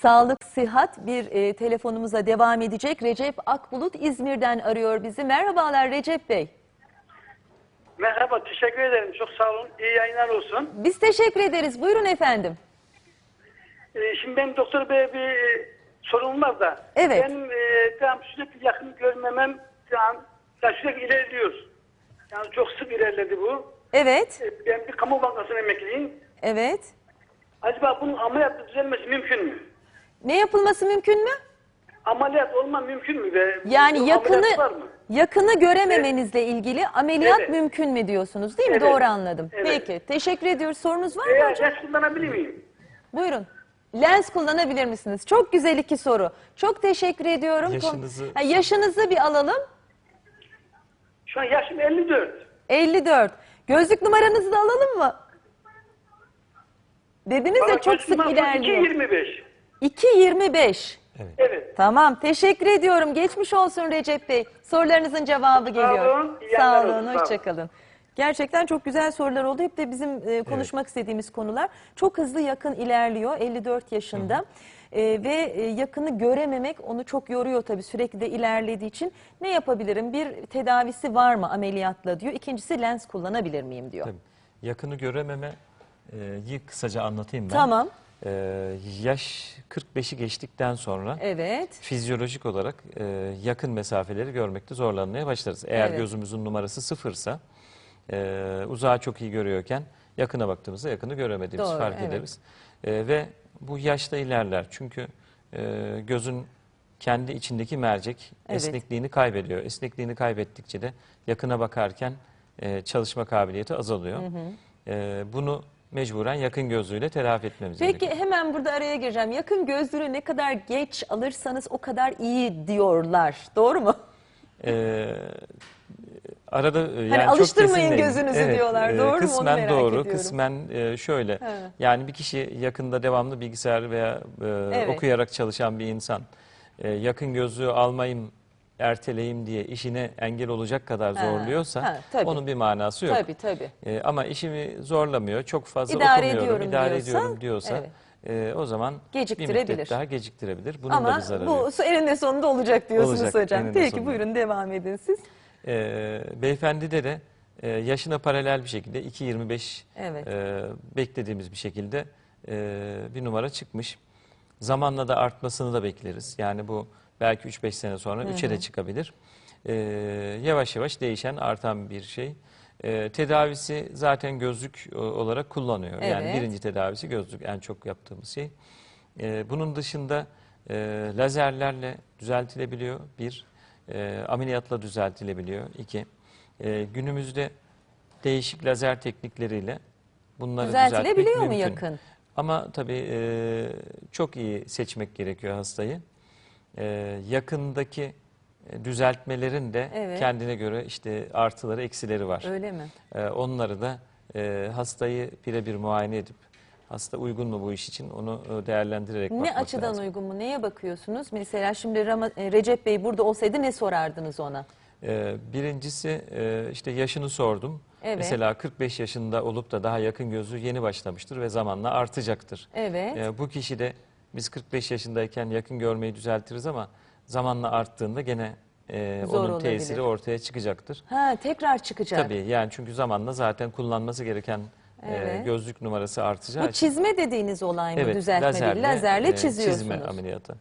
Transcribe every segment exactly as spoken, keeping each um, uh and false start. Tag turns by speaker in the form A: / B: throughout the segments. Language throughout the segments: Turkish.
A: Sağlık, sıhhat bir e, telefonumuza devam edecek. Recep Akbulut İzmir'den arıyor bizi. Merhabalar Recep Bey.
B: Merhaba, teşekkür ederim. Çok sağ olun. İyi yayınlar olsun.
A: Biz teşekkür ederiz. Buyurun efendim.
B: Ee, şimdi benim doktor bey bir e, sorunum var da.
A: Evet.
B: Benim e, tamam, sürekli yakın görmemem tamam, yani sürekli ilerliyor. Yani çok sık ilerledi bu.
A: Evet.
B: E, ben bir kamu bankasının emekliyim.
A: Evet.
B: Acaba bunun ameliyatla düzelmesi mümkün mü?
A: Ne yapılması mümkün mü?
B: Ameliyat olma mümkün mü? Ve
A: Yani
B: bu
A: yakını
B: ameliyat var mı?
A: yakını görememenizle ilgili ameliyat
B: Evet.
A: mümkün mü diyorsunuz değil mi?
B: Evet.
A: Doğru anladım.
B: Evet.
A: Peki. Teşekkür ediyoruz. Sorunuz var mı
B: Eğer
A: hocam?
B: ders kullanabilir miyim?
A: Buyurun. Lens kullanabilir misiniz? Çok güzel iki soru. Çok teşekkür ediyorum.
C: Yaşınızı-
A: Ha, yaşınızı bir alalım.
B: Şu an yaşım elli dört.
A: elli dört. Gözlük numaranızı da alalım mı? Dediniz ya çok sık ilerliyor.
B: iki yirmi beş.
A: iki yirmi beş.
B: Evet.
A: Tamam, teşekkür ediyorum. Geçmiş olsun Recep Bey. Sorularınızın cevabı geliyor.
B: olun, iyi
A: Sağ
B: yayınlar
A: olun,
B: olsun, sağ olun.
A: hoşçakalın. Gerçekten çok güzel sorular oldu. Hep de bizim e, konuşmak istediğimiz konular. Çok hızlı yakın ilerliyor, elli dört yaşında. E, ve e, yakını görememek onu çok yoruyor tabii, sürekli de ilerlediği için. Ne yapabilirim? Bir tedavisi var mı ameliyatla diyor. İkincisi lens kullanabilir miyim diyor.
C: Tabii. Yakını görememeyi kısaca anlatayım ben.
A: Tamam.
C: Ee, yaş kırk beşi geçtikten sonra
A: Evet.
C: fizyolojik olarak e, yakın mesafeleri görmekte zorlanmaya başlarız. Eğer
A: Evet.
C: gözümüzün numarası sıfırsa e, uzağı çok iyi görüyorken yakına baktığımızda yakını göremediğimizi
A: Doğru,
C: fark
A: evet.
C: ederiz. E, ve bu yaşta ilerler. Çünkü e, gözün kendi içindeki mercek
A: Evet.
C: esnekliğini kaybediyor. Esnekliğini kaybettikçe de yakına bakarken e, çalışma kabiliyeti azalıyor. E, bunu mecburen yakın gözlüğüyle telafi etmemiz
A: Peki
C: gerekiyor.
A: hemen burada araya gireceğim. Yakın gözlüğü ne kadar geç alırsanız o kadar iyi diyorlar. Doğru mu?
C: Ee, arada e, yani
A: Hani
C: çok
A: alıştırmayın
C: kesin değil.
A: gözünüzü diyorlar, doğru mu? Onu
C: Kısmen
A: merak
C: doğru,
A: ediyorum.
C: kısmen e, şöyle.
A: He.
C: Yani bir kişi yakında devamlı bilgisayar veya e,
A: Evet.
C: okuyarak çalışan bir insan e, yakın gözlüğü almayayım, erteleyeyim diye işine engel olacak kadar
A: Ha,
C: zorluyorsa
A: ha, tabii.
C: onun bir manası yok.
A: Tabii tabii.
C: E, ama işimi zorlamıyor, çok fazla
A: İdare
C: okumuyorum,
A: ediyorum
C: idare
A: diyorsa,
C: ediyorum diyorsa
A: evet.
C: e, o zaman bir
A: Geciktirebilir.
C: müddet daha geciktirebilir. Bunun da
A: Ama
C: bir zararı
A: bu
C: yok.
A: eninde sonunda olacak diyorsunuz
C: Olacak,
A: hocam.
C: eninde
A: Peki
C: sonunda.
A: buyurun devam edin siz.
C: Ee, beyefendide de e, yaşına paralel bir şekilde iki yirmi beş
A: Evet.
C: e, beklediğimiz bir şekilde e, bir numara çıkmış. Zamanla da artmasını da bekleriz. Yani bu belki üç beş sene sonra üçe de çıkabilir. E, yavaş yavaş değişen, artan bir şey. E, tedavisi zaten gözlük o- olarak kullanıyor. Yani
A: Evet.
C: birinci tedavisi gözlük, en çok yaptığımız şey. E, bunun dışında e, lazerlerle düzeltilebiliyor. Bir, e, ameliyatla düzeltilebiliyor. İki, e, günümüzde değişik lazer teknikleriyle bunları düzeltmek
A: Düzeltilebiliyor mu
C: mümkün.
A: yakın?
C: Ama tabii e, çok iyi seçmek gerekiyor hastayı. E, yakındaki e, düzeltmelerin de
A: Evet.
C: kendine göre işte artıları, eksileri var.
A: Öyle mi?
C: E, onları da e, hastayı birebir muayene edip hasta uygun mu bu iş için onu e, değerlendirerek
A: Ne
C: bakmak
A: açıdan
C: lazım.
A: uygun mu? Neye bakıyorsunuz? Mesela şimdi Rama- e, Recep Bey burada olsaydı ne sorardınız ona?
C: Ee, Birincisi e, işte yaşını sordum.
A: Evet.
C: Mesela kırk beş yaşında olup da daha yakın gözlüğü yeni başlamıştır ve zamanla artacaktır.
A: Evet.
C: Ee, Bu kişi de biz kırk beş yaşındayken yakın görmeyi düzeltiriz ama zamanla arttığında gene e,
A: Zor
C: onun
A: olabilir.
C: tesiri ortaya çıkacaktır.
A: Ha, tekrar çıkacak.
C: Tabii yani çünkü zamanla zaten kullanması gereken e,
A: Evet.
C: gözlük numarası artacağı
A: Bu
C: için.
A: çizme dediğiniz olay mı?
C: Evet,
A: Düzeltme değil.
C: lazerle,
A: Lazerle
C: e,
A: çiziyorsunuz.
C: çizme ameliyatı.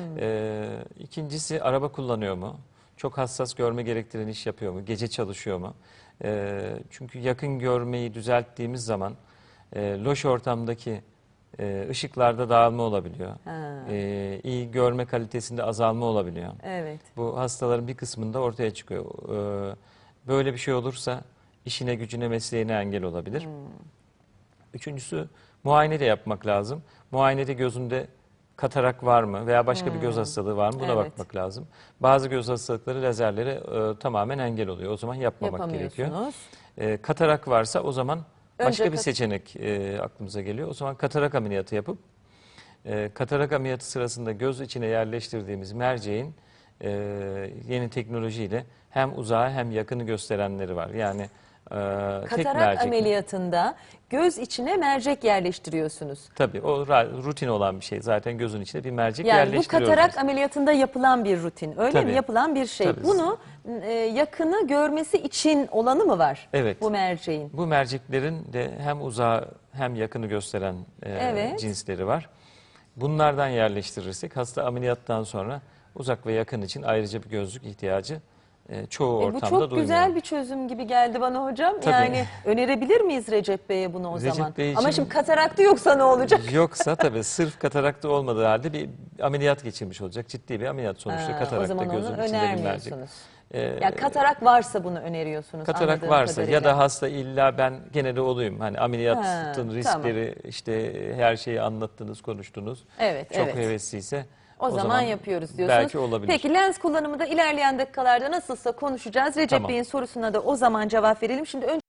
C: Ee, ikincisi araba kullanıyor mu? Çok hassas görme gerektiren iş yapıyor mu? Gece çalışıyor mu? Ee, çünkü yakın görmeyi düzelttiğimiz zaman e, loş ortamdaki e, ışıklarda dağılma olabiliyor.
A: Ha.
C: Ee, iyi görme kalitesinde azalma olabiliyor.
A: Evet.
C: Bu hastaların bir kısmında ortaya çıkıyor. Ee, böyle bir şey olursa işine, gücüne, mesleğine engel olabilir. Üçüncüsü muayene de yapmak lazım. Muayenede gözünde katarak var mı veya başka bir göz hastalığı var mı buna
A: Evet.
C: bakmak lazım. Bazı göz hastalıkları lazerlere e, tamamen engel oluyor. O zaman yapmamak gerekiyor.
A: Yapamıyorsunuz.
C: E, katarak varsa o zaman başka
A: Önce
C: bir
A: kat-
C: seçenek e, aklımıza geliyor. O zaman katarak ameliyatı yapıp e, katarak ameliyatı sırasında göz içine yerleştirdiğimiz merceğin e, yeni teknolojiyle hem uzağı hem yakını gösterenleri var. Yani Ee, tek
A: Katarak
C: mercekle.
A: ameliyatında göz içine mercek yerleştiriyorsunuz.
C: Tabii o ra- rutin olan bir şey. Zaten gözün içine bir mercek
A: Yani bu
C: yerleştiriyoruz.
A: katarak
C: biz.
A: ameliyatında yapılan bir rutin. Öyle
C: Tabii.
A: mi? Yapılan bir şey.
C: Tabii.
A: Bunu e, yakını görmesi için olanı mı var?
C: Evet.
A: Bu merceğin.
C: Bu merceklerin de hem uzağı hem yakını gösteren e,
A: Evet.
C: cinsleri var. Bunlardan yerleştirirsek hasta ameliyattan sonra uzak ve yakın için ayrıca bir gözlük ihtiyacı e, çoğu
A: E, bu
C: ortamda
A: çok
C: duymuyor.
A: güzel bir çözüm gibi geldi bana hocam.
C: Tabii.
A: Yani önerebilir miyiz Recep Bey'e bunu o
C: Recep
A: zaman?
C: Bey
A: Ama
C: için-
A: şimdi kataraktı yoksa ne olacak?
C: Yoksa tabii sırf katarakta olmadığı halde bir ameliyat geçirmiş olacak. Ciddi bir ameliyat sonuçta
A: Ha, o
C: katarakta
A: zaman onu
C: gözün içinde bir mercek.
A: önermiyorsunuz.
C: Ee,
A: Ya katarak varsa bunu öneriyorsunuz.
C: Katarak
A: anladığım
C: varsa
A: kadarıyla.
C: ya da hasta illa ben gene de olayım. Hani ameliyatın
A: Ha,
C: riskleri işte her şeyi anlattınız, konuştunuz.
A: Evet,
C: Çok
A: evet.
C: hevesliyse
A: O, zaman, yapıyoruz diyorsunuz.
C: Belki olabilir.
A: Peki lens kullanımı da ilerleyen dakikalarda nasılsa konuşacağız. Recep
C: Tamam.
A: Bey'in sorusuna da o zaman cevap verelim. Şimdi önce